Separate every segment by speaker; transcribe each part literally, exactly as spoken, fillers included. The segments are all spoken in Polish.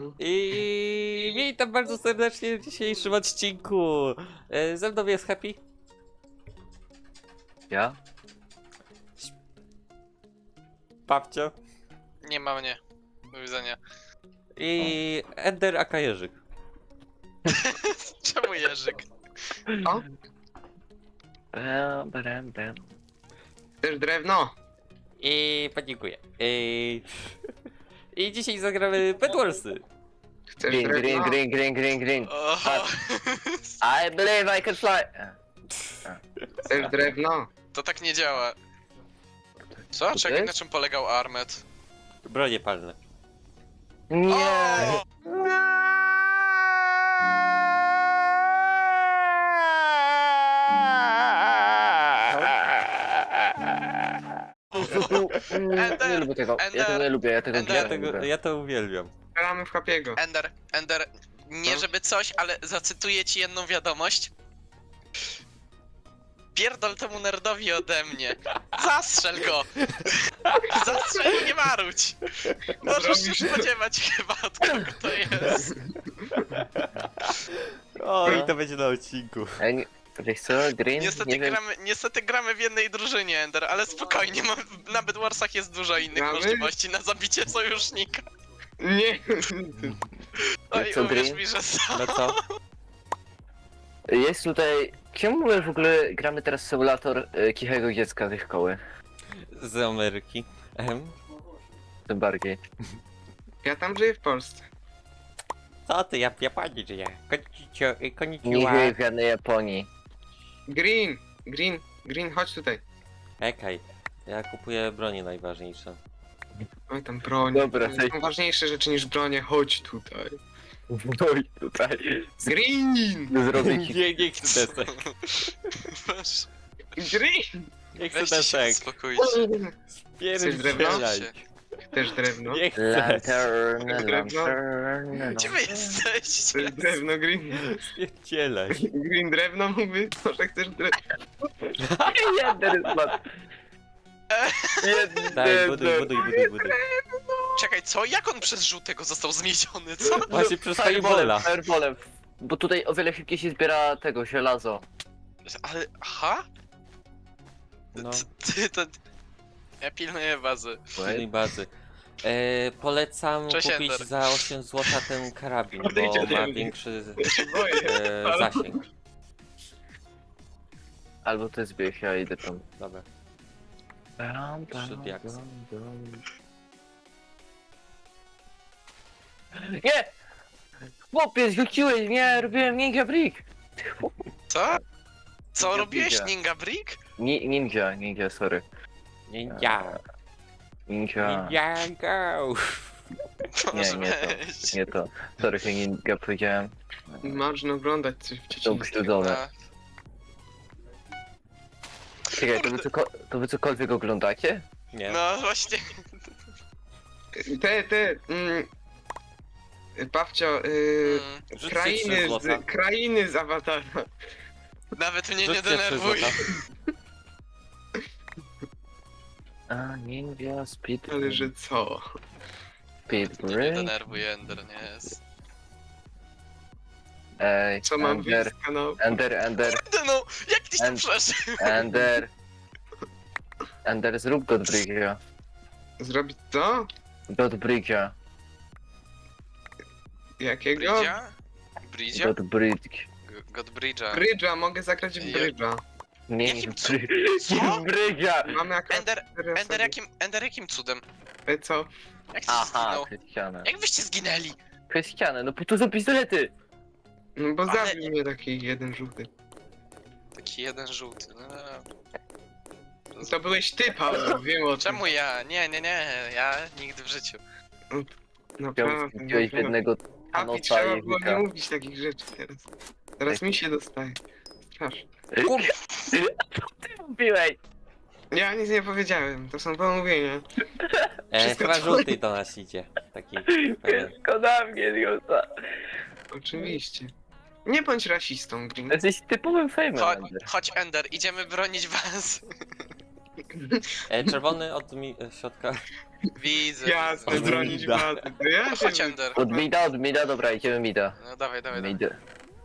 Speaker 1: I witam bardzo serdecznie w dzisiejszym odcinku. E, Ze mną jest Happy.
Speaker 2: Ja?
Speaker 1: Babcio.
Speaker 3: Nie ma mnie. Do widzenia.
Speaker 1: I Ender aka Jerzyk.
Speaker 3: Czemu Jerzyk?
Speaker 4: O,
Speaker 2: Bam, bam, bam.
Speaker 4: też drewno.
Speaker 1: I dziękuję. I... I dzisiaj zagramy Bedwarsy.
Speaker 4: Chcesz
Speaker 2: Green, green,
Speaker 4: drewno?
Speaker 2: green, green, green, green.
Speaker 3: Oho.
Speaker 2: I believe I can fly.
Speaker 4: Chcesz drewno?
Speaker 3: To tak nie działa. Co?
Speaker 2: to
Speaker 3: Czekaj,
Speaker 2: jest?
Speaker 3: na czym polegał Armet?
Speaker 1: Bronie palne.
Speaker 2: Nie!
Speaker 3: O!
Speaker 2: Nie lubię tego, ja tego nie lubię, ja tego
Speaker 3: Ender.
Speaker 1: Ja,
Speaker 2: nie
Speaker 1: tego,
Speaker 2: lubię.
Speaker 1: ja to uwielbiam.
Speaker 4: Gramy w Happy'ego.
Speaker 3: Ender, Ender, nie
Speaker 4: No.
Speaker 3: żeby coś, ale zacytuję ci jedną wiadomość. Pierdol temu nerdowi ode mnie. Zastrzel go! Zastrzel i nie marudź! Możesz się
Speaker 4: Zrobisz to.
Speaker 3: spodziewać chyba od kogo to jest.
Speaker 1: O, i to będzie na odcinku.
Speaker 2: Ej, nie- Wiesz co, green?
Speaker 3: Niestety
Speaker 2: nie wiem.
Speaker 3: gramy, niestety gramy w jednej drużynie, Ender, ale spokojnie, mam, na Bedwarsach jest dużo innych
Speaker 4: Gramy?
Speaker 3: możliwości na zabicie sojusznika.
Speaker 4: Nie.
Speaker 3: Oj,
Speaker 2: co,
Speaker 3: uwierz
Speaker 2: Green?
Speaker 3: mi, że są.
Speaker 1: No co?
Speaker 2: Jest tutaj... Czemu my w ogóle gramy teraz symulator e, kichego dziecka ze szkoły?
Speaker 1: Z Ameryki. Ehem.
Speaker 2: Tym bardziej.
Speaker 4: Ja tam żyję w Polsce.
Speaker 1: Co ty, ja w Japonii żyję. Konnichiwa.
Speaker 2: Nie
Speaker 1: Konnichiwa.
Speaker 2: żyję w żadnej Japonii.
Speaker 4: Green, green, green, chodź tutaj.
Speaker 1: Czekaj. Ja kupuję broni najważniejsze.
Speaker 4: Oj, tam broń.
Speaker 2: Dobra,
Speaker 4: Tam
Speaker 2: hej.
Speaker 4: są ważniejsze rzeczy niż bronie, chodź tutaj.
Speaker 2: No i tutaj.
Speaker 4: Green!
Speaker 2: Zrobię ci...
Speaker 1: Nie, nie chcę desek.
Speaker 3: Weź,
Speaker 4: Green!
Speaker 1: Nie chcę
Speaker 3: weźcie się,
Speaker 1: desek.
Speaker 3: uspokójcie.
Speaker 4: Chcesz drewno?
Speaker 1: Spierdzielaj.
Speaker 4: Też drewno.
Speaker 1: Nie chcę.
Speaker 2: Lantern,
Speaker 4: Drewno.
Speaker 2: lantern...
Speaker 3: Gdzie wy jesteście?
Speaker 4: Chcesz drewno, green?
Speaker 1: Spierdzielaj.
Speaker 4: Green drewno mówi, może chcesz drewno.
Speaker 2: Jeden spadł. Jeden.
Speaker 1: Daj, buduj, buduj, buduj, buduj.
Speaker 3: Czekaj, co? Jak on przez żółtego został zmieciony, co?
Speaker 1: Właśnie przez
Speaker 2: Fireballem,
Speaker 1: Firebola.
Speaker 2: fireballem. Bo tutaj o wiele szybciej się zbiera tego żelazo.
Speaker 3: Ale, aha?
Speaker 1: No,
Speaker 3: Ty, ty, to... Ja pilnuję bazy.
Speaker 1: pilnej bazy. E, polecam
Speaker 3: Cześć,
Speaker 1: kupić
Speaker 3: Ender.
Speaker 1: za osiem złotych ten karabin,
Speaker 4: Odejdź
Speaker 1: bo
Speaker 4: ode
Speaker 1: ma
Speaker 4: mnie.
Speaker 1: większy
Speaker 4: się boję.
Speaker 1: e, zasięg.
Speaker 2: Albo ty zbierz, ja idę tam.
Speaker 1: Dobra.
Speaker 2: Bam,
Speaker 1: Trzy diaksy.
Speaker 2: Nie! Chłopie, zrzuciłeś mnie, robiłem ninja brick!
Speaker 3: Co? Co
Speaker 2: Ninja
Speaker 3: robiłeś,
Speaker 2: Briga.
Speaker 3: Ninja Brick?
Speaker 2: Ni ninja, ninja, sorry.
Speaker 1: Ninja.
Speaker 2: Ninja.
Speaker 1: Ninja go.
Speaker 3: Może
Speaker 2: nie to.
Speaker 3: weź.
Speaker 2: Nie to. Sorry, że ninja powiedziałem.
Speaker 4: Można oglądać coś w
Speaker 2: To
Speaker 4: dzieciństwie.
Speaker 2: ukrzywdzone.
Speaker 3: A,
Speaker 2: Czekaj, to wy, coko to wy cokolwiek oglądacie?
Speaker 1: Nie.
Speaker 3: No właśnie.
Speaker 4: Te, te, mm, babcio, y,
Speaker 3: Mm,
Speaker 1: Rzućcie
Speaker 4: krainy,
Speaker 1: trzy złota.
Speaker 4: z, krainy z Awatara.
Speaker 3: Nawet mnie nie
Speaker 1: Rzućcie trzy
Speaker 3: denerwuj.
Speaker 1: złota.
Speaker 2: A, ninja, speed...
Speaker 4: Ale że co?
Speaker 2: Speed
Speaker 3: Mnie nie
Speaker 2: break?
Speaker 3: denerwuj, Ender, nie jest.
Speaker 2: Ej,
Speaker 4: Co mam
Speaker 2: Ender,
Speaker 4: wyjść z kanału?
Speaker 2: Ender, Ender,
Speaker 3: Kurde no, jak tyś tam
Speaker 2: And-
Speaker 3: przeszedł?
Speaker 2: Ender. Ender, zrób Godbridge'a.
Speaker 4: Zrobić co?
Speaker 2: Godbridge'a.
Speaker 4: Jakiego?
Speaker 3: Bridge'a? Bridge'a?
Speaker 2: Godbridge.
Speaker 3: G- Godbridge'a.
Speaker 4: Brydża, mogę zagrać w
Speaker 3: Ja-
Speaker 4: brydża.
Speaker 2: Nie,
Speaker 3: Jakim
Speaker 2: nie,
Speaker 3: cu- Co?
Speaker 2: Godbridge'a!
Speaker 4: Mamy akurat
Speaker 3: Ender,
Speaker 4: cztery
Speaker 3: Ender
Speaker 4: osoby.
Speaker 3: jakim, Ender jakim cudem?
Speaker 4: E, co?
Speaker 3: Jak ty
Speaker 2: Aha,
Speaker 3: zginął?
Speaker 2: przez ścianę.
Speaker 3: Jak wyście zginęli?
Speaker 2: Przez ścianę, no po to są pistolety!
Speaker 4: No bo
Speaker 3: Ale-
Speaker 4: zabił mnie taki jeden żółty.
Speaker 3: Taki jeden żółty. No.
Speaker 4: To byłeś ty, Paweł, wiem o tym.
Speaker 3: Czemu ja? Nie, nie, nie, ja nigdy w życiu.
Speaker 4: Naprawdę,
Speaker 2: Wziąłeś
Speaker 4: no,
Speaker 2: jednego
Speaker 4: Happy,
Speaker 2: Thanosa
Speaker 4: trzeba
Speaker 2: i
Speaker 4: było
Speaker 2: Wika.
Speaker 4: nie mówić takich rzeczy teraz. Teraz mi się dostaje. Strasznie.
Speaker 2: Co ty mówiłeś?
Speaker 4: Ja nic nie powiedziałem, to są pomówienia.
Speaker 1: E,
Speaker 4: Wszystko
Speaker 1: chyba
Speaker 4: to-
Speaker 1: żółty do nas idzie. Taki pewien.
Speaker 2: Wszystko na mnie, Diota.
Speaker 4: Oczywiście. Nie bądź rasistą, Green.
Speaker 2: Jesteś typowym fejmem,
Speaker 3: Chodź,
Speaker 2: Ender.
Speaker 3: chodź Ender, idziemy bronić was.
Speaker 1: E, czerwony od mi e, środka.
Speaker 3: Widzę,
Speaker 4: Jasne,
Speaker 3: widzę.
Speaker 4: bronić
Speaker 1: Mida.
Speaker 4: bazy. To ja się...
Speaker 3: Chodź, Ender.
Speaker 2: Od mida, od mida, dobra, idziemy mida.
Speaker 3: No dawaj, dawaj, dawaj.
Speaker 2: Mid.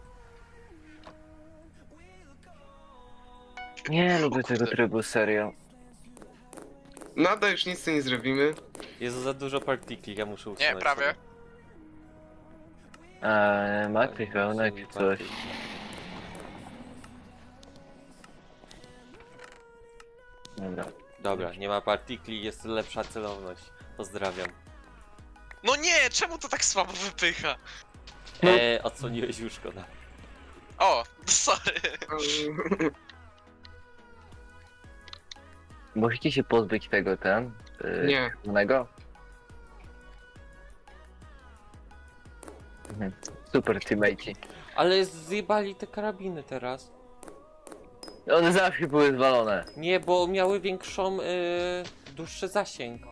Speaker 2: Nie lubię tego trybu, serio.
Speaker 4: Nadal już nic tu nie zrobimy.
Speaker 1: Jest za dużo partikli, ja muszę usunąć.
Speaker 3: Nie, prawie.
Speaker 1: sobie.
Speaker 2: Eee, ma ktoś wełnek czy coś? Dobra.
Speaker 1: Dobra, nie ma partikli, jest lepsza celowność. Pozdrawiam.
Speaker 3: No nie, czemu to tak słabo wypycha?
Speaker 2: No.
Speaker 1: Eee, odsłoniłeś już szkoda.
Speaker 3: O, sorry.
Speaker 2: Możecie się pozbyć tego, ten? Yy,
Speaker 4: Nie.
Speaker 2: czerwonego? Mhm. Super teammate.
Speaker 1: Ale zjebali te karabiny teraz.
Speaker 2: One zawsze były zwalone.
Speaker 1: Nie, bo miały większą, yy, dłuższy zasięg.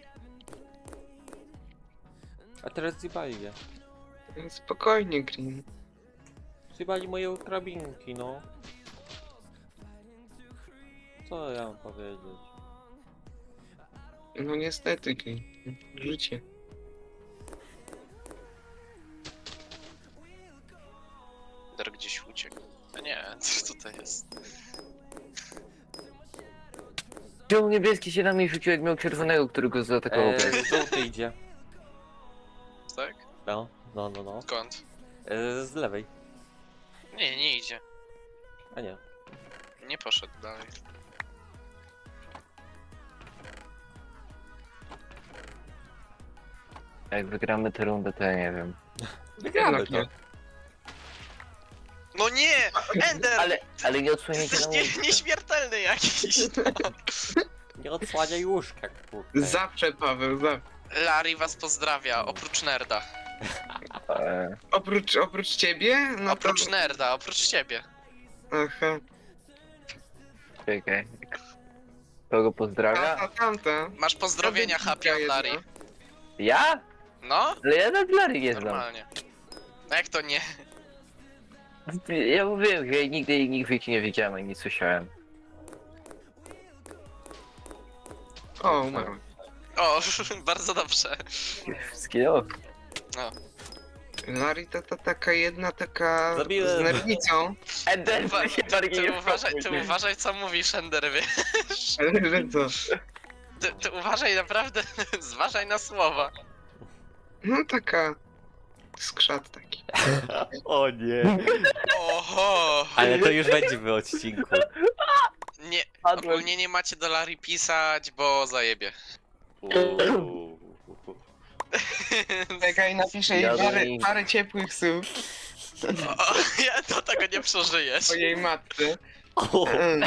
Speaker 1: A teraz zjebali je.
Speaker 4: Spokojnie, Green.
Speaker 1: Zjebali moje karabinki, no. Co ja mam powiedzieć?
Speaker 4: No niestety, Green. Życie.
Speaker 3: Ender gdzieś uciekł. A nie, co tutaj jest?
Speaker 2: Czemu niebieski się na mnie rzucił, jak miał czerwonego, który go zaatakował?
Speaker 1: Eee, żółty idzie.
Speaker 3: Tak?
Speaker 1: No, no, no, no.
Speaker 3: Skąd?
Speaker 1: Eee, z lewej.
Speaker 3: Nie, nie idzie.
Speaker 1: A nie.
Speaker 3: Nie poszedł dalej.
Speaker 2: Jak wygramy tę rundę, to ja nie wiem.
Speaker 1: Wygramy
Speaker 4: Jednak
Speaker 1: to.
Speaker 4: nie.
Speaker 3: No nie! Ender!
Speaker 2: Ale, ale nie odsłaniajcie
Speaker 3: Jesteś
Speaker 2: na
Speaker 3: nie,
Speaker 2: łóżkę.
Speaker 3: nieśmiertelny jakiś! No.
Speaker 1: Nie odsłaniaj łóżka, kurde.
Speaker 4: Zawsze, Paweł, zawsze.
Speaker 3: Larry was pozdrawia, oprócz nerda.
Speaker 2: Eee,
Speaker 4: Oprócz, oprócz ciebie? No
Speaker 3: Oprócz
Speaker 4: to...
Speaker 3: nerda, oprócz ciebie.
Speaker 4: Aha.
Speaker 2: czekaj. Kogo pozdrawia?
Speaker 4: Tamta, tamta.
Speaker 3: Masz pozdrowienia happy od Larry.
Speaker 2: Ja?
Speaker 3: No?
Speaker 2: Ale ja na Blary nie znam.
Speaker 3: Normalnie. No jak to nie?
Speaker 2: Ja mówiłem, że ja nigdy ich w życiu nie widziałem ani nie słyszałem.
Speaker 4: O, umarłem.
Speaker 3: O, bardzo dobrze.
Speaker 2: Wszystkiego?
Speaker 4: Larry to, to taka jedna taka
Speaker 1: Zabiłem.
Speaker 4: z nerwicą.
Speaker 2: Ender,
Speaker 3: Uwa-
Speaker 2: ty się
Speaker 3: ty,
Speaker 2: bardziej
Speaker 3: ty,
Speaker 2: nie
Speaker 3: uważaj, ty
Speaker 2: wpakuj.
Speaker 3: uważaj co mówisz, Ender, wiesz?
Speaker 4: Ale że co?
Speaker 3: Ty, ty uważaj naprawdę, zważaj na słowa.
Speaker 4: No taka... Skrzat taki.
Speaker 1: O nie.
Speaker 3: Oho!
Speaker 1: Ale to już będzie w odcinku.
Speaker 3: Nie,
Speaker 2: Padłem.
Speaker 3: ogólnie nie macie do Larry pisać, bo zajebie.
Speaker 1: Uuu.
Speaker 4: Czekaj, napiszę jej
Speaker 2: Ja
Speaker 4: parę,
Speaker 2: bym-
Speaker 4: parę ciepłych słów
Speaker 3: O, ja do tego nie przeżyjesz.
Speaker 4: o jej matce.
Speaker 1: O,
Speaker 4: Mm.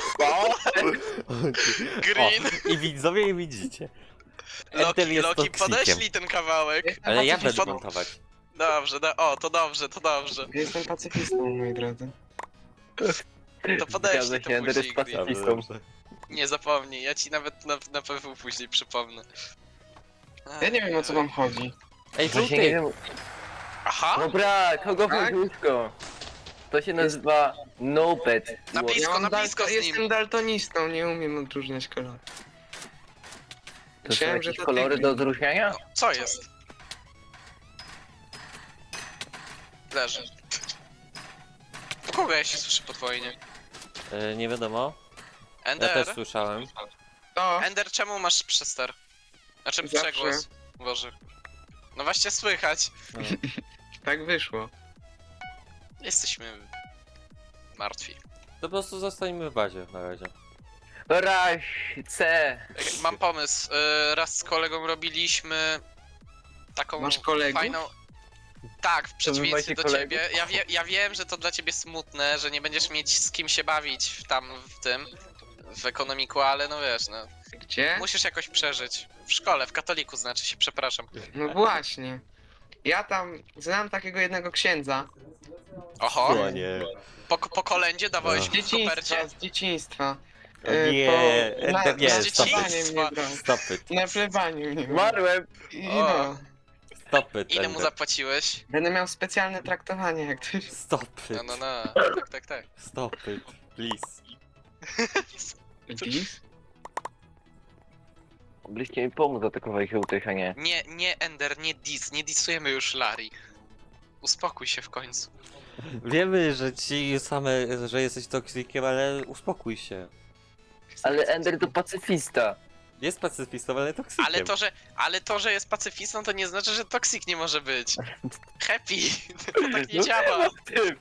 Speaker 3: Green,
Speaker 1: O, i widzowie i widzicie. Enter
Speaker 3: Loki,
Speaker 1: jest
Speaker 3: Loki,
Speaker 1: toksikiem.
Speaker 3: podeślij ten kawałek.
Speaker 4: Jestem
Speaker 1: Ale ja
Speaker 4: pacyfistą.
Speaker 1: będę montować.
Speaker 3: Dobrze, do, o, to dobrze, to dobrze.
Speaker 4: Jestem pacyfistą, moi drodzy.
Speaker 3: To podeślij
Speaker 2: Zgadza
Speaker 3: to
Speaker 2: się, Ender jest
Speaker 3: później, Green.
Speaker 2: pacyfistą.
Speaker 1: Dobrze.
Speaker 3: Nie zapomnij, ja ci nawet na, na P W później przypomnę.
Speaker 4: Ja nie wiem, o co wam chodzi.
Speaker 1: Ej,
Speaker 2: Właśnie nie
Speaker 1: żółty!
Speaker 2: wiem.
Speaker 3: Aha!
Speaker 2: Dobra, kogo
Speaker 4: Tak?
Speaker 2: łóżko? To się nazywa Nopet.
Speaker 3: Na blisko,
Speaker 4: Ja mam
Speaker 3: na
Speaker 4: dal-
Speaker 3: blisko z nim.
Speaker 4: Jestem daltonistą, nie umiem odróżniać kolorów.
Speaker 2: To są
Speaker 4: Myślałem, że
Speaker 2: jakieś
Speaker 4: to
Speaker 2: kolory
Speaker 4: ty-
Speaker 2: do odróżniania?
Speaker 3: No, co jest? Leży. U kogo ja się słyszę podwójnie?
Speaker 1: E, nie wiadomo. Ja
Speaker 3: Ender?
Speaker 1: też słyszałem.
Speaker 4: To,
Speaker 3: Ender, czemu masz przester? Znaczy
Speaker 4: Zawsze.
Speaker 3: przegłos. Boże. No właśnie słychać.
Speaker 1: No.
Speaker 4: tak wyszło.
Speaker 3: Jesteśmy martwi.
Speaker 1: To po prostu zostańmy w bazie na razie.
Speaker 2: Raz, C.
Speaker 3: Mam pomysł. y, Raz z kolegą robiliśmy taką
Speaker 4: Masz kolegów?
Speaker 3: fajną... Tak, w przeciwieństwie
Speaker 2: macie
Speaker 3: do
Speaker 2: kolegów?
Speaker 3: ciebie. Ja, wie, ja wiem, że to dla ciebie smutne, że nie będziesz mieć z kim się bawić w tam w tym, w ekonomiku, ale no wiesz, no.
Speaker 4: Gdzie?
Speaker 3: Musisz jakoś przeżyć. W szkole, w katoliku znaczy się, przepraszam.
Speaker 4: No właśnie. Ja tam znam takiego jednego księdza.
Speaker 3: Oho,
Speaker 1: O nie.
Speaker 3: po, po kolędzie dawałeś
Speaker 4: Z
Speaker 3: w kopercie?
Speaker 4: dzieciństwa, z dzieciństwa.
Speaker 1: O
Speaker 4: E,
Speaker 1: nie,
Speaker 4: po- na,
Speaker 1: Ender nie,
Speaker 4: na
Speaker 1: stop
Speaker 4: plebanie
Speaker 3: it.
Speaker 4: mnie brał.
Speaker 1: Stop it.
Speaker 4: Na plebaniu mnie brał.
Speaker 2: Umarłem.
Speaker 4: I
Speaker 3: O.
Speaker 4: no.
Speaker 1: Stop it,
Speaker 3: Ile mu
Speaker 1: Ender.
Speaker 3: zapłaciłeś?
Speaker 4: Będę miał specjalne traktowanie jak ktoś.
Speaker 1: Stop it.
Speaker 3: No, no, no. Tak, tak, tak.
Speaker 1: Stop it, please.
Speaker 4: Widzisz?
Speaker 2: Mogliście mi pomóc atakować żółtych, a nie.
Speaker 3: Nie, nie Ender, nie dis, nie disujemy już Larry. Uspokój się w końcu.
Speaker 1: Wiemy, że ci same, że jesteś toksikiem, ale uspokój się.
Speaker 2: Ale Ender to pacyfista.
Speaker 1: Jest pacyfistą, ale toksykiem.
Speaker 3: Ale to, że, ale to, że jest pacyfistą, to nie znaczy, że toksik nie może być. Happy! To tak nie
Speaker 2: No
Speaker 3: działa.
Speaker 2: Ty.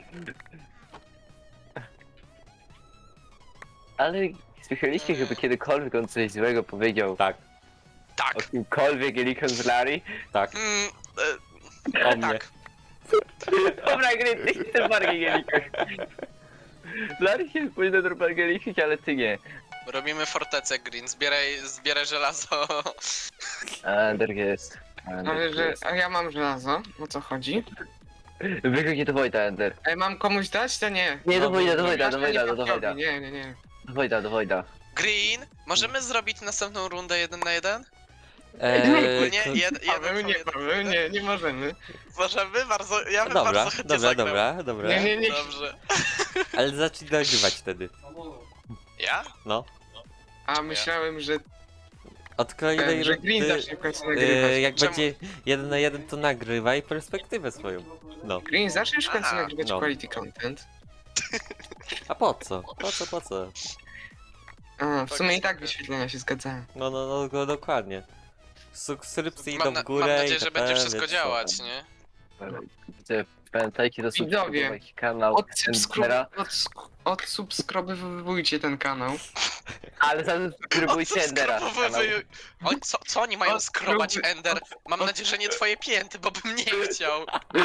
Speaker 2: Ale słyszeliście, żeby kiedykolwiek on coś złego powiedział
Speaker 1: Tak,
Speaker 3: Tak.
Speaker 2: o kimkolwiek jelikon z Larry?
Speaker 1: tak,
Speaker 3: Mm, e,
Speaker 1: o mnie.
Speaker 3: tak.
Speaker 2: Dobra, gry, ty chcesz bardziej jelikon. Larry się powinien normalnie liczyć, ale ty nie.
Speaker 3: Robimy fortecę, Green. Zbieraj, zbieraj żelazo.
Speaker 2: Ender jest. Ender
Speaker 4: Ale że,
Speaker 2: jest.
Speaker 4: a ja mam żelazo, o co chodzi?
Speaker 2: Wychodzi do Wojda, Ender.
Speaker 4: Ej, mam komuś dać, to nie.
Speaker 2: Nie, do
Speaker 1: No,
Speaker 2: Wojda, do Wojda,
Speaker 4: Masz
Speaker 2: do
Speaker 4: to
Speaker 2: Wojda, do
Speaker 4: nieprawdopodobnie,
Speaker 2: Wojda.
Speaker 4: Nie, nie, nie.
Speaker 2: Do Wojda, do Wojda.
Speaker 3: Green, możemy zrobić następną rundę jeden na jeden?
Speaker 1: Eee,
Speaker 3: Ogólnie
Speaker 1: to-
Speaker 3: jed, jeden
Speaker 4: Paweł,
Speaker 3: po
Speaker 4: nie,
Speaker 3: jeden.
Speaker 4: Paweł, nie, nie możemy.
Speaker 3: Możemy? Bardzo, ja bym
Speaker 1: Dobra,
Speaker 3: bardzo chętnie
Speaker 1: dobra,
Speaker 3: zagrał.
Speaker 1: dobra, dobra.
Speaker 4: Nie, nie, nie.
Speaker 3: Dobrze.
Speaker 1: Ale zacznij nagrywać wtedy.
Speaker 3: Ja?
Speaker 1: No.
Speaker 4: A myślałem, że,
Speaker 1: Od kolejnej
Speaker 4: e, że Green
Speaker 1: rundy,
Speaker 4: zacznie w końcu
Speaker 1: e,
Speaker 4: nagrywać.
Speaker 1: jak
Speaker 3: Czemu?
Speaker 1: będzie jeden na jeden, to nagrywaj perspektywę swoją. No.
Speaker 4: Green, zaczniesz w końcu
Speaker 3: A,
Speaker 4: nagrywać
Speaker 1: no.
Speaker 4: quality content.
Speaker 1: A po co? Po co, po co?
Speaker 4: A, w
Speaker 3: Tak
Speaker 4: sumie i
Speaker 3: jest
Speaker 4: tak
Speaker 3: trochę.
Speaker 4: wyświetlenia się zgadzają.
Speaker 1: No, no, no, go dokładnie. Subskrypcje idą
Speaker 3: Mam, na,
Speaker 1: w górę
Speaker 3: mam
Speaker 1: i
Speaker 3: nadzieję, że
Speaker 1: te,
Speaker 3: będzie wszystko
Speaker 1: więc-
Speaker 3: działać, nie?
Speaker 2: Widzę, Pamiętajcie do
Speaker 4: Widzowie,
Speaker 2: subskrybować kanał Endera,
Speaker 4: Odsubskryb- Odsubskrybujcie ten kanał.
Speaker 2: ale zasubskrybujcie Endera. kanał.
Speaker 3: Odsubskrybuj- Oni, co, co oni mają
Speaker 4: Odskrybuj-
Speaker 3: skrobać, Ender? Mam
Speaker 4: od-
Speaker 3: nadzieję, że nie twoje pięty, bo bym nie chciał.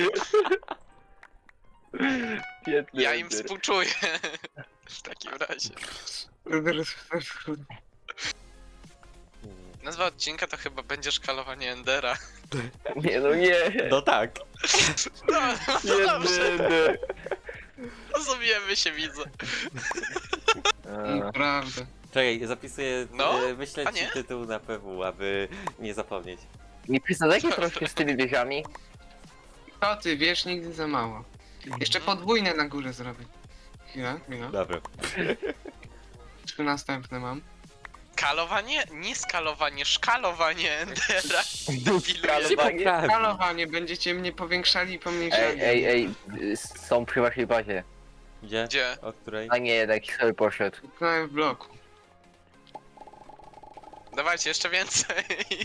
Speaker 2: Biedny
Speaker 3: Ja im
Speaker 2: Ender.
Speaker 3: współczuję. W takim razie. Nazwa odcinka to chyba będzie szkalowanie Endera.
Speaker 2: Nie no nie.
Speaker 1: No tak.
Speaker 3: No, no
Speaker 2: Biedny
Speaker 3: dobrze,
Speaker 2: Ender.
Speaker 3: rozumiemy się, widzę.
Speaker 2: A,
Speaker 4: Naprawdę.
Speaker 1: Czekaj, zapisuję,
Speaker 3: No,
Speaker 1: e, wyślę
Speaker 3: a
Speaker 1: ci
Speaker 3: nie?
Speaker 1: tytuł na P W, aby nie zapomnieć.
Speaker 2: Nie przesadzajcie troszkę z tymi wieżami.
Speaker 4: To ty, wiesz, nigdy za mało. Jeszcze podwójne na górze zrobię. Chwila, chwila.
Speaker 1: Dobra.
Speaker 4: Trzy następne mam.
Speaker 3: Kalowanie? Nie skalowanie, szkalowanie Endera.
Speaker 2: Skalowanie.
Speaker 1: Prawie.
Speaker 4: Skalowanie, będziecie mnie powiększali i pomniejszali.
Speaker 2: Ej, ej, ej, są przy waszej bazie.
Speaker 1: Gdzie?
Speaker 3: Gdzie?
Speaker 1: O której?
Speaker 2: A nie, jednak sobie poszedł.
Speaker 4: Utknąłem w bloku.
Speaker 3: Dawajcie, jeszcze więcej.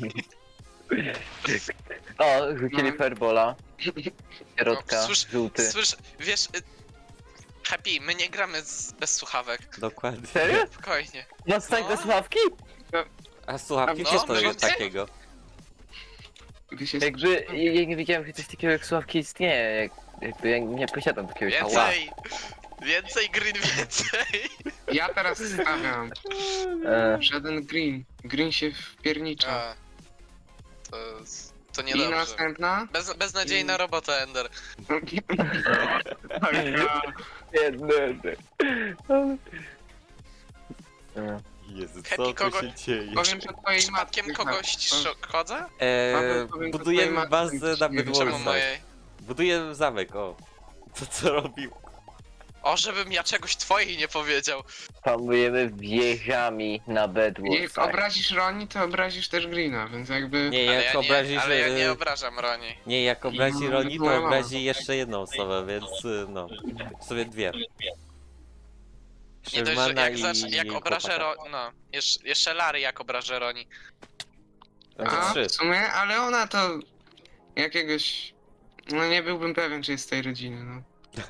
Speaker 2: O, rzucili
Speaker 4: No.
Speaker 2: Fairbola. Środka,
Speaker 3: No, słysz-
Speaker 2: żółty.
Speaker 3: Słysz, wiesz... y, Happy, my nie gramy z, bez słuchawek.
Speaker 1: Dokładnie.
Speaker 2: Serio?
Speaker 3: Spokojnie.
Speaker 2: Masz tak
Speaker 3: No.
Speaker 2: bez ławki?
Speaker 1: A słuchawki,
Speaker 4: A
Speaker 1: co
Speaker 3: no,
Speaker 1: to jest
Speaker 3: no,
Speaker 1: takiego?
Speaker 4: Wy się
Speaker 2: Jakby, ja ja nie wiedziałem, że coś takiego jak słuchawki istnieje. Jak, jakby ja nie posiadam takiego ciała.
Speaker 3: Więcej! Więcej, Green, więcej!
Speaker 4: Ja teraz stawiam.
Speaker 2: E,
Speaker 4: Żaden green. Green się wpiernicza.
Speaker 3: A, to, to
Speaker 4: I
Speaker 3: niedobrze.
Speaker 4: następna.
Speaker 3: Bez, beznadziejna robota, Ender.
Speaker 2: Biedny Ender. E,
Speaker 1: Jezu,
Speaker 3: Happy
Speaker 1: co tu
Speaker 3: kogo-
Speaker 1: się dzieje?
Speaker 4: Powiem to twojej
Speaker 3: Przypadkiem
Speaker 4: matce.
Speaker 3: kogoś szkodzę?
Speaker 1: Eee,
Speaker 4: Paweł, powiem, to
Speaker 1: budujemy
Speaker 4: twojej
Speaker 1: bazę
Speaker 4: matce
Speaker 1: na
Speaker 4: nie
Speaker 1: Bedwarsach.
Speaker 3: Czemu mojej?
Speaker 1: Buduję zamek, o. Co co robił?
Speaker 3: O, żebym ja czegoś twojej nie powiedział.
Speaker 2: Panujemy wieżami na
Speaker 4: Jak
Speaker 2: Bedwarsach.
Speaker 4: obrazisz Roni, to obrazisz też Greena, więc jakby...
Speaker 1: Nie,
Speaker 3: Ale
Speaker 1: jak
Speaker 3: ja nie,
Speaker 1: obrazisz...
Speaker 3: ale ja nie
Speaker 1: e,
Speaker 3: obrażam Roni.
Speaker 1: Nie, jak obrazi
Speaker 4: No,
Speaker 1: Roni,
Speaker 4: moja
Speaker 1: to
Speaker 4: mama.
Speaker 1: obrazi jeszcze jedną osobę, więc y, no. W sobie dwie.
Speaker 3: Nie dość, że
Speaker 1: Shermana
Speaker 3: jak,
Speaker 1: i
Speaker 3: zacz, jak obrażę
Speaker 1: chłopaka.
Speaker 3: Roni. No, jeszcze, jeszcze Larry jak obrażę Roni.
Speaker 1: Będzie
Speaker 4: A,
Speaker 1: trzy.
Speaker 4: w sumie, ale ona to... Jakiegoś... No nie byłbym pewien, czy jest z tej rodziny, no.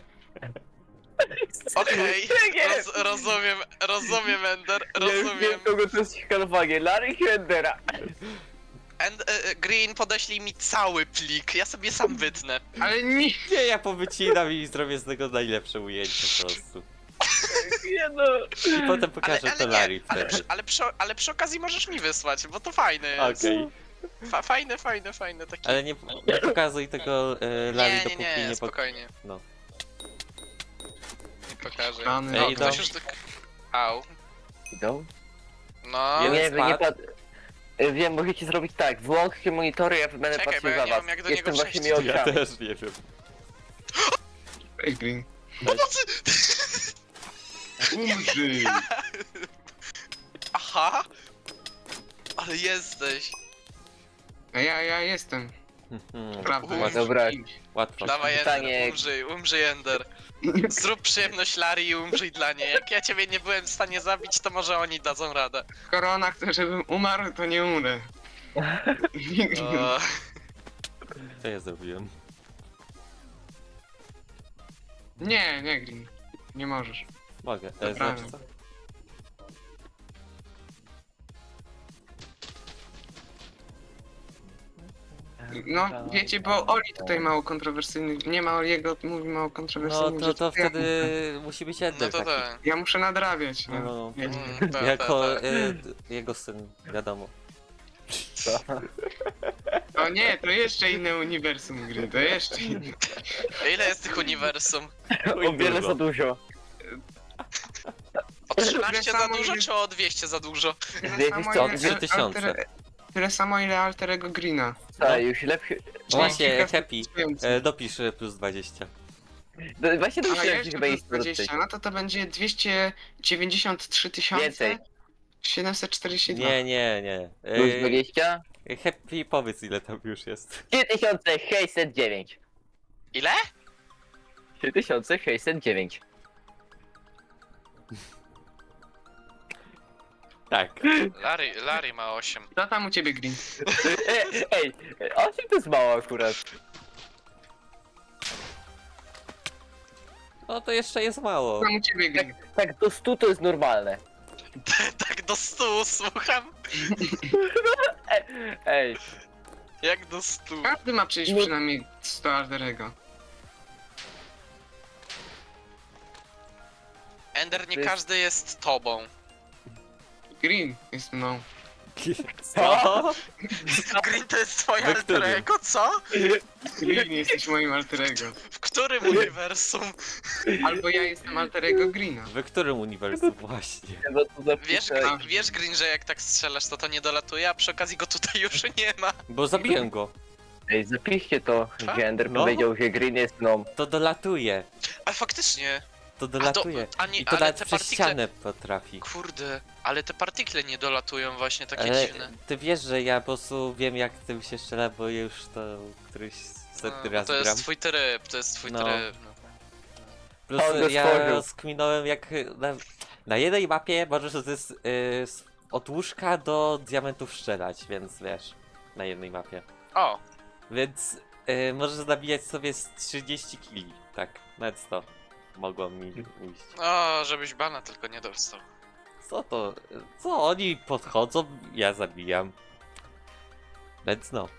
Speaker 3: Okej,
Speaker 2: Nie,
Speaker 3: roz, rozumiem, rozumiem, Ender,
Speaker 2: Ja już
Speaker 3: rozumiem.
Speaker 2: wiem, kogo to jest szkalowanie. Larry i Endera.
Speaker 3: And, e, Green, podeślij mi cały plik, ja sobie sam wytnę.
Speaker 4: Ale nie...
Speaker 1: Nie, ja powycinam i zrobię z tego najlepsze ujęcie po prostu.
Speaker 2: Nie no.
Speaker 1: I potem
Speaker 3: Ale,
Speaker 1: pokażę
Speaker 3: ale
Speaker 1: to
Speaker 3: nie,
Speaker 1: Larry
Speaker 3: ale,
Speaker 1: wtedy.
Speaker 3: przy, ale, przy, ale przy okazji możesz mi wysłać, bo to fajne jest.
Speaker 1: Okej.
Speaker 3: Fa, fajne, fajne, fajne takie.
Speaker 1: Ale nie, nie pokazuj tego e, Larry,
Speaker 3: nie, nie,
Speaker 1: dopóki
Speaker 3: nie,
Speaker 1: nie, nie pok...
Speaker 3: spokojnie.
Speaker 1: No.
Speaker 3: Nie pokażę.
Speaker 4: Rany.
Speaker 3: O,
Speaker 1: Ej,
Speaker 3: ktoś
Speaker 1: dom.
Speaker 3: już tak... Au.
Speaker 2: Idą?
Speaker 3: No,
Speaker 1: Jeden
Speaker 2: Nie, wy nie
Speaker 1: spadł.
Speaker 2: pat... E, Wiem, możecie zrobić tak. Włączcie monitory, ja będę
Speaker 3: Czekaj,
Speaker 2: patrzył
Speaker 3: bo ja
Speaker 2: za
Speaker 3: nie
Speaker 2: was.
Speaker 3: wiem, jak do
Speaker 2: Jestem
Speaker 3: niego
Speaker 2: waszymi
Speaker 3: przejść.
Speaker 1: Ja
Speaker 2: oczami.
Speaker 1: też nie wiem.
Speaker 4: Ej, Green.
Speaker 3: pomocy!
Speaker 4: Umrzyj!
Speaker 3: Aha! Ale jesteś.
Speaker 4: A ja, ja jestem.
Speaker 1: Hmm,
Speaker 4: Prawda.
Speaker 3: Uuu,
Speaker 4: jestem
Speaker 2: dobra.
Speaker 4: kimś.
Speaker 1: łatwo.
Speaker 3: Dawaj
Speaker 2: Pytanie-
Speaker 3: Ender, umrzyj, umrzyj Ender. Zrób przyjemność Lari i umrzyj dla niej. Jak ja ciebie nie byłem w stanie zabić, to może oni dadzą radę.
Speaker 4: Skoro ona chce, żebym umarł, to nie umrę.
Speaker 3: O,
Speaker 1: Co ja zrobiłem?
Speaker 4: Nie, nie, Green. Nie możesz.
Speaker 1: Mogę. E,
Speaker 4: Dobra.
Speaker 1: znaczy co?
Speaker 4: No, wiecie, bo Oli tutaj mało kontrowersyjny. Nie ma Oliego, mówi mało
Speaker 1: No
Speaker 4: kontrowersyjnych
Speaker 1: to,
Speaker 4: rzeczy.
Speaker 1: to
Speaker 4: ja
Speaker 1: wtedy
Speaker 4: muszę-
Speaker 1: musi być
Speaker 3: no
Speaker 1: Ender
Speaker 3: to
Speaker 1: taki.
Speaker 3: tak.
Speaker 4: Ja muszę nadrabiać.
Speaker 1: No,
Speaker 4: No.
Speaker 1: no, no.
Speaker 4: Wiecie.
Speaker 3: Mm, tak,
Speaker 1: Jako
Speaker 3: tak, tak.
Speaker 1: e, d- jego syn, wiadomo.
Speaker 4: O nie, to jeszcze inne uniwersum gry, to jeszcze inne.
Speaker 3: Ile jest tych uniwersum?
Speaker 2: O wiele za dużo.
Speaker 3: O trzynaście
Speaker 4: Tyle
Speaker 3: za
Speaker 4: samo,
Speaker 3: dużo,
Speaker 4: ile-
Speaker 3: czy o dwieście za dużo?
Speaker 4: Tyle
Speaker 2: Dwieście
Speaker 4: samo,
Speaker 2: co?
Speaker 4: ile
Speaker 1: Trzy tysiące.
Speaker 4: alter- Tyle samo ile Alterego Greena.
Speaker 2: Co, już lepszy...
Speaker 1: Właśnie,
Speaker 4: kilka
Speaker 1: Happy.
Speaker 4: więcej.
Speaker 1: E, dopisz e, plus dwadzieścia.
Speaker 2: No, właśnie
Speaker 4: A
Speaker 2: domyślałem się
Speaker 4: jeszcze
Speaker 2: chyba
Speaker 4: plus
Speaker 2: jest
Speaker 4: dwadzieścia, no to to będzie dwieście dziewięćdziesiąt trzy tysiące
Speaker 2: Więcej.
Speaker 4: siedemset czterdzieści dwa.
Speaker 1: Nie, nie, nie.
Speaker 2: Plus dwadzieścia?
Speaker 1: E, Happy, powiedz ile tam już jest.
Speaker 2: trzy tysiące sześćset dziewięć.
Speaker 3: Ile?
Speaker 2: trzy tysiące sześćset dziewięć.
Speaker 1: Tak.
Speaker 3: Larry, Larry ma osiem.
Speaker 4: Co tam u ciebie, Green?
Speaker 2: Ej, ej, osiem to jest mało akurat.
Speaker 1: No to jeszcze jest mało.
Speaker 4: Co tam u ciebie, Green?
Speaker 2: Tak do stu to jest normalne.
Speaker 3: Tak do stu, słucham?
Speaker 2: Ej,
Speaker 3: Jak do stu?
Speaker 4: Każdy ma przejść
Speaker 2: No.
Speaker 4: przynajmniej sto Alterego.
Speaker 3: Ender, nie
Speaker 2: To jest-
Speaker 3: każdy jest tobą.
Speaker 4: Green jest mną.
Speaker 1: Co?
Speaker 3: Green to jest twoje
Speaker 1: We którym?
Speaker 3: alter ego, co?
Speaker 4: Green jesteś moim Alterego.
Speaker 3: W którym uniwersum?
Speaker 4: Albo ja jestem Alterego Greena.
Speaker 1: W którym uniwersum właśnie?
Speaker 2: no to zapiszę.
Speaker 3: Wiesz, Green, wiesz Green, że jak tak strzelasz, to to nie dolatuje, a przy okazji go tutaj już nie ma.
Speaker 1: Bo zabiłem go.
Speaker 2: Ej, zapiszcie to,
Speaker 3: Co?
Speaker 2: że Ender
Speaker 1: No.
Speaker 2: powiedział, że Green jest mną.
Speaker 1: To dolatuje.
Speaker 3: Ale faktycznie.
Speaker 1: To
Speaker 3: A,
Speaker 1: dolatuje.
Speaker 3: to, a nie,
Speaker 1: I to
Speaker 3: ale
Speaker 1: nawet
Speaker 3: te
Speaker 1: przez
Speaker 3: partikle...
Speaker 1: ścianę potrafi.
Speaker 3: Kurde, ale te partikle nie dolatują właśnie, takie
Speaker 1: Ale
Speaker 3: dziwne.
Speaker 1: ty wiesz, że ja po prostu wiem jak tym się strzela, bo już to któryś setny
Speaker 3: No,
Speaker 1: raz
Speaker 3: to jest
Speaker 1: gram.
Speaker 3: twój tryb, to jest twój
Speaker 1: No.
Speaker 3: tryb. No.
Speaker 1: Plus
Speaker 2: On go
Speaker 1: ja
Speaker 2: stworzył.
Speaker 1: skminąłem jak na, na jednej mapie możesz z, z, z, od łóżka do diamentów strzelać, więc wiesz, na jednej mapie.
Speaker 3: O,
Speaker 1: Więc y, możesz zabijać sobie z trzydzieści kili, tak, nawet sto mogło mi ujść.
Speaker 3: o, żebyś bana tylko nie dostał.
Speaker 1: Co to? Co oni podchodzą, ja zabijam. Więc no,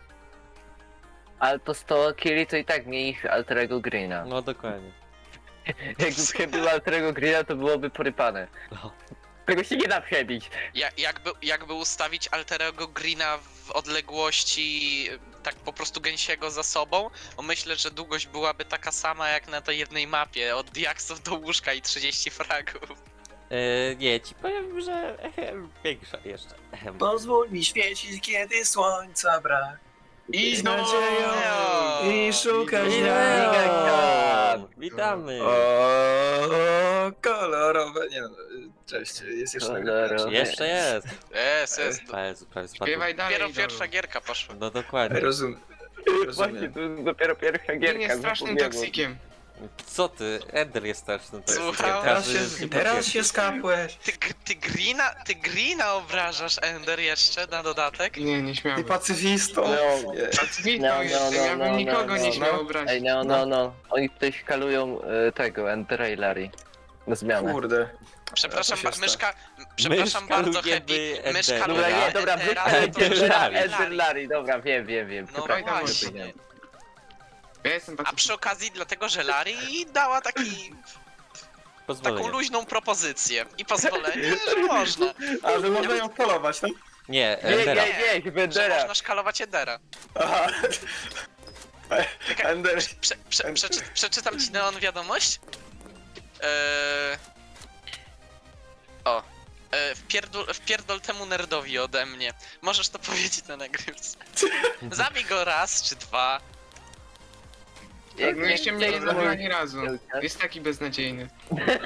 Speaker 2: Ale to sto killi to i tak mniej niż Alterego Greena.
Speaker 1: no dokładnie.
Speaker 2: Jakby było Alterego Greena, to byłoby porypane.
Speaker 1: No.
Speaker 2: Tego się nie da przebić.
Speaker 3: Ja, jakby, jakby ustawić Alterego Greena w odległości tak po prostu gęsiego za sobą, bo myślę, że długość byłaby taka sama jak na tej jednej mapie, od diaksów do łóżka i trzydzieści fragów.
Speaker 1: Y, nie, ci powiem, że ehem, większa jeszcze. Ehem.
Speaker 5: Pozwól mi świecić, kiedy słońca brak.
Speaker 4: I
Speaker 5: Z
Speaker 4: no,
Speaker 5: nadzieją i szukać
Speaker 1: Leon!
Speaker 5: jak.
Speaker 1: Witamy!
Speaker 5: O, kolorowe. Nie no, cześć, jest jeszcze
Speaker 2: Kolorowe.
Speaker 1: Jeszcze jest!
Speaker 3: Jest, jest.
Speaker 1: Ale prawie spadł.
Speaker 4: śpiewaj dalej.
Speaker 3: Dopiero
Speaker 4: idolu.
Speaker 3: pierwsza gierka poszła.
Speaker 1: No dokładnie.
Speaker 5: Rozum,
Speaker 2: Właśnie,
Speaker 5: rozumiem.
Speaker 2: to jest dopiero pierwsza
Speaker 4: Green
Speaker 2: gierka.
Speaker 4: jest strasznym
Speaker 2: zapomniałem.
Speaker 4: toksikiem.
Speaker 1: Co ty? Ender jest straszny. To jest
Speaker 3: Słucham?
Speaker 5: Teraz
Speaker 1: każdy
Speaker 5: się,
Speaker 1: się
Speaker 5: teraz
Speaker 1: potwierdzi.
Speaker 5: się skapłeś.
Speaker 3: Ty, ty Greena, ty Greena obrażasz, Ender, jeszcze na dodatek?
Speaker 4: Nie, nie
Speaker 5: Ty
Speaker 4: śmiałbym.
Speaker 5: pacyfistą.
Speaker 2: No.
Speaker 5: Nie.
Speaker 4: Pacywistą
Speaker 2: No, no,
Speaker 4: jestem,
Speaker 2: no,
Speaker 4: ja
Speaker 2: no,
Speaker 4: bym
Speaker 2: no,
Speaker 4: nikogo nie
Speaker 2: no,
Speaker 4: śmiał
Speaker 5: no.
Speaker 4: obrazić.
Speaker 2: Ej, no, no, no. Oni tutaj szkalują e, tego, Endera i Larry. Na zmianę.
Speaker 5: Kurde.
Speaker 3: Przepraszam,
Speaker 5: To
Speaker 3: ba-
Speaker 5: się
Speaker 3: myszka, przepraszam bardzo,
Speaker 1: szkalujemy
Speaker 3: Happy, myszka
Speaker 1: Endera.
Speaker 2: Dobra, nie, dobra,
Speaker 3: Endera,
Speaker 2: wróćmy
Speaker 3: ale to
Speaker 2: Ender,
Speaker 3: że
Speaker 1: Larry.
Speaker 2: Ender, Larry, dobra, wiem, wiem, wiem.
Speaker 3: No
Speaker 2: Przepraszam,
Speaker 3: właśnie.
Speaker 2: zapomniałem.
Speaker 4: Ja jestem
Speaker 3: A
Speaker 4: taki...
Speaker 3: przy okazji dlatego, że Larry dała taki, taką
Speaker 1: Pozwolenie.
Speaker 3: luźną propozycję i pozwolenie, że można,
Speaker 5: A, że można ją polować, tak?
Speaker 1: Nie,
Speaker 2: Nie,
Speaker 1: Endera.
Speaker 2: nie, nie,
Speaker 3: że
Speaker 2: Endera.
Speaker 3: można szkalować Endera.
Speaker 5: Aha.
Speaker 3: Czekaj,
Speaker 5: Ender.
Speaker 3: Prze, prze, przeczy, przeczytam ci Neon wiadomość. Eee... O. Eee, wpierdol, wpierdol temu nerdowi ode mnie. Możesz to powiedzieć na nagrywce. Zabij go raz czy dwa.
Speaker 2: Jak
Speaker 4: No jeszcze mnie nie
Speaker 2: nie
Speaker 4: zabił ani razu.
Speaker 2: Wielka.
Speaker 4: Jest taki beznadziejny.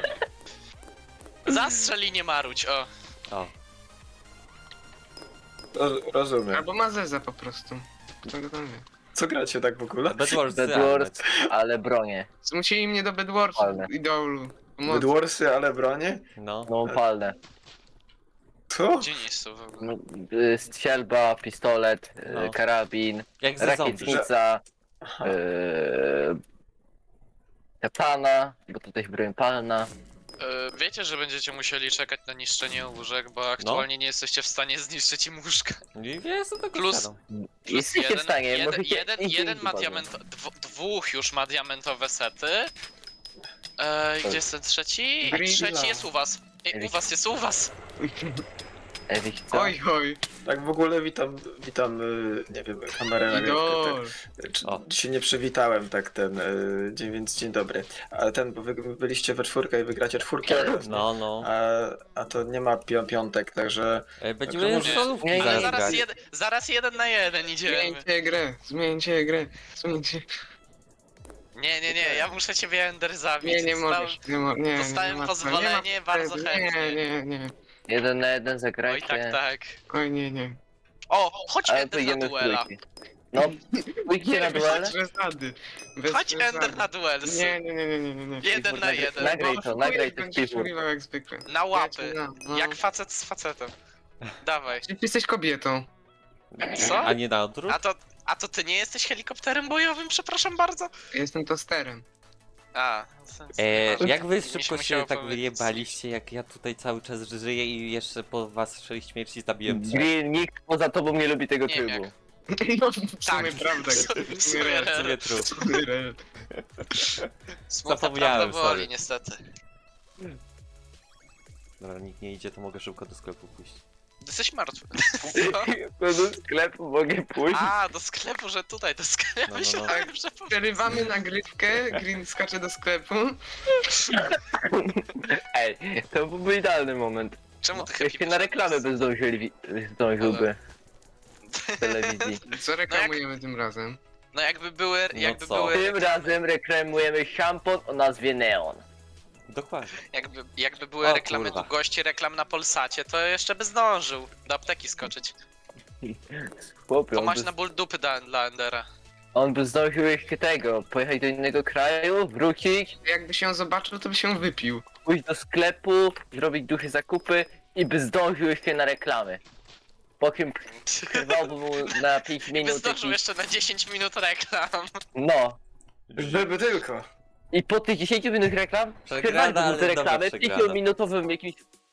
Speaker 3: Zastrzel i nie maruć, o.
Speaker 1: O.
Speaker 5: Ro- rozumiem.
Speaker 4: Albo ma zeza po prostu. Kto go tam wie.
Speaker 5: Co gracie tak w ogóle?
Speaker 1: Bedwars,
Speaker 2: Bedwars, ale bronię.
Speaker 4: Zmusili mnie do Bedwarsu,
Speaker 2: Palne.
Speaker 4: idolu. Pomocy.
Speaker 5: Bedwarsy, ale bronie?
Speaker 1: No.
Speaker 2: No palne.
Speaker 5: Co?
Speaker 3: Gdzie nie jest to w ogóle?
Speaker 2: No, y, strzelba, pistolet, y,
Speaker 1: No.
Speaker 2: karabin,
Speaker 1: Jak ze zombie.
Speaker 2: rakietnica,
Speaker 5: Aha.
Speaker 2: y, katana, bo to też broń palna.
Speaker 3: E, wiecie, że będziecie musieli czekać na niszczenie łóżek, bo aktualnie nie jesteście w stanie zniszczyć im łóżka.
Speaker 1: I ja jestem tego
Speaker 3: Plus-
Speaker 1: świadom.
Speaker 2: Jesteście w stanie,
Speaker 3: jeden,
Speaker 2: możecie...
Speaker 3: jeden,
Speaker 2: nigdzie
Speaker 3: jeden
Speaker 2: nie
Speaker 3: ma
Speaker 2: padną.
Speaker 3: diament, dw, dwóch już ma diamentowe sety. E, gdzie jest ten trzeci?
Speaker 4: Green
Speaker 3: Trzeci
Speaker 4: Love.
Speaker 3: jest u was. E, u was jest u was.
Speaker 2: Ewik, co?
Speaker 4: Oj, oj,
Speaker 5: Tak w ogóle witam, witam, y, nie wiem, kamerę na
Speaker 4: idol.
Speaker 5: Czy,
Speaker 1: O.
Speaker 5: się nie przywitałem tak ten, y, dzień, więc dzień dobry. Ale ten, bo wy byliście we czwórkę i wygracie czwórkę.
Speaker 1: No, no.
Speaker 5: A, a to nie ma pi piątek, także
Speaker 1: E, Będziemy
Speaker 5: może-
Speaker 1: solówki
Speaker 2: Nie, nie,
Speaker 3: Ale
Speaker 1: zaraz
Speaker 3: zaraz,
Speaker 1: grać.
Speaker 3: jed, zaraz jeden na jeden idziemy.
Speaker 4: Zmieńcie grę, zmieńcie grę, zmieńcie.
Speaker 3: Nie, nie, nie, ja muszę ciebie Ender zabić.
Speaker 4: Nie, nie
Speaker 3: Zostałem-
Speaker 4: możesz, nie, mo nie,
Speaker 3: dostałem
Speaker 4: nie ma-
Speaker 3: pozwolenie,
Speaker 4: nie ma
Speaker 3: bardzo
Speaker 4: potrzeby.
Speaker 3: chętnie.
Speaker 4: Nie, nie, nie,
Speaker 2: Jeden na jeden
Speaker 3: Oj,
Speaker 2: zagrajcie.
Speaker 3: tak, tak.
Speaker 4: oj, nie, nie.
Speaker 3: O, chodź
Speaker 2: Ale to
Speaker 3: Ender na
Speaker 2: idziemy w
Speaker 3: duela.
Speaker 2: trójki. No, pójdźcie na
Speaker 4: Nie,
Speaker 2: duele.
Speaker 4: bez przesady. Bez
Speaker 3: Chodź
Speaker 4: przesady.
Speaker 3: Ender na duels.
Speaker 4: Nie, nie, nie, nie, nie, nie, nie.
Speaker 3: Jeden na jeden.
Speaker 2: Nagraj to, nagraj to w
Speaker 4: Będziesz
Speaker 2: piwór.
Speaker 4: mówił jak zwykle.
Speaker 3: Na łapy.
Speaker 4: No, no.
Speaker 3: Jak facet z facetem. Dawaj.
Speaker 4: Czy ty jesteś kobietą?
Speaker 3: Co?
Speaker 1: A nie na odwrót?
Speaker 3: A to, a to ty nie jesteś helikopterem bojowym, przepraszam bardzo?
Speaker 4: Ja jestem tosterem.
Speaker 3: A, sens.
Speaker 1: E,
Speaker 3: nieważne.
Speaker 1: jak wy
Speaker 3: Mi
Speaker 1: szybko
Speaker 3: musiało
Speaker 1: się tak
Speaker 3: powiedzieć.
Speaker 1: wyjebaliście, jak ja tutaj cały czas żyję i jeszcze po was sześć śmierci zabiłem trzech.
Speaker 2: Green, nikt poza tobą nie lubi tego
Speaker 3: Nie wiem
Speaker 2: trybu.
Speaker 3: jak.
Speaker 4: No, w sumie
Speaker 3: Tak.
Speaker 4: prawda.
Speaker 3: W sumie
Speaker 4: W sumie
Speaker 3: rel.
Speaker 4: rel.
Speaker 1: Sobie trup.
Speaker 4: W sumie rel.
Speaker 3: Smutna
Speaker 1: Zapomniałem,
Speaker 3: prawda boli,
Speaker 1: sorry.
Speaker 3: niestety.
Speaker 1: Dobra, nikt nie idzie, to mogę szybko do sklepu pójść.
Speaker 3: Jesteś martwy.
Speaker 2: To do sklepu mogę pójść.
Speaker 3: A, do sklepu, że tutaj, do sklepu.
Speaker 1: No, no, no.
Speaker 3: Myślałem, że po...
Speaker 4: Przerywamy nagrywkę, Green skacze do sklepu.
Speaker 2: Ej, to byłby idealny moment.
Speaker 3: Czemu ty
Speaker 2: Jak się na reklamę by zdążyli, zdążyłby w telewizji.
Speaker 4: Co reklamujemy tym razem?
Speaker 3: No jakby były,
Speaker 1: No
Speaker 3: jakby
Speaker 1: co?
Speaker 3: były,
Speaker 2: Tym razem reklamujemy szampon o nazwie Neon.
Speaker 1: Dokładnie.
Speaker 3: jakby, jakby były
Speaker 1: O,
Speaker 3: reklamy
Speaker 1: kurwa.
Speaker 3: długości reklam na Polsacie, to jeszcze by zdążył do apteki skoczyć.
Speaker 2: Chłopie,
Speaker 3: To
Speaker 2: on
Speaker 3: masz
Speaker 2: by,
Speaker 3: na ból dupy dla, dla Endera.
Speaker 2: on by zdążył jeszcze tego, pojechać do innego kraju, wrócić,
Speaker 4: Jakby się zobaczył, to by się wypił.
Speaker 2: pójść do sklepu, zrobić duże zakupy i by zdążył jeszcze na reklamy. Po czym przerwałby mu na pięć
Speaker 3: I by
Speaker 2: minut
Speaker 3: zdążył
Speaker 2: jakiś...
Speaker 3: jeszcze na dziesięć minut reklam.
Speaker 2: No.
Speaker 5: żeby tylko.
Speaker 2: I po tych dziesięciu minut reklam
Speaker 1: Przegrana,
Speaker 2: przerwaliby mu
Speaker 1: ale
Speaker 2: te
Speaker 1: dobra
Speaker 2: reklamy
Speaker 1: przegrana.
Speaker 2: pięciominutowym jakimś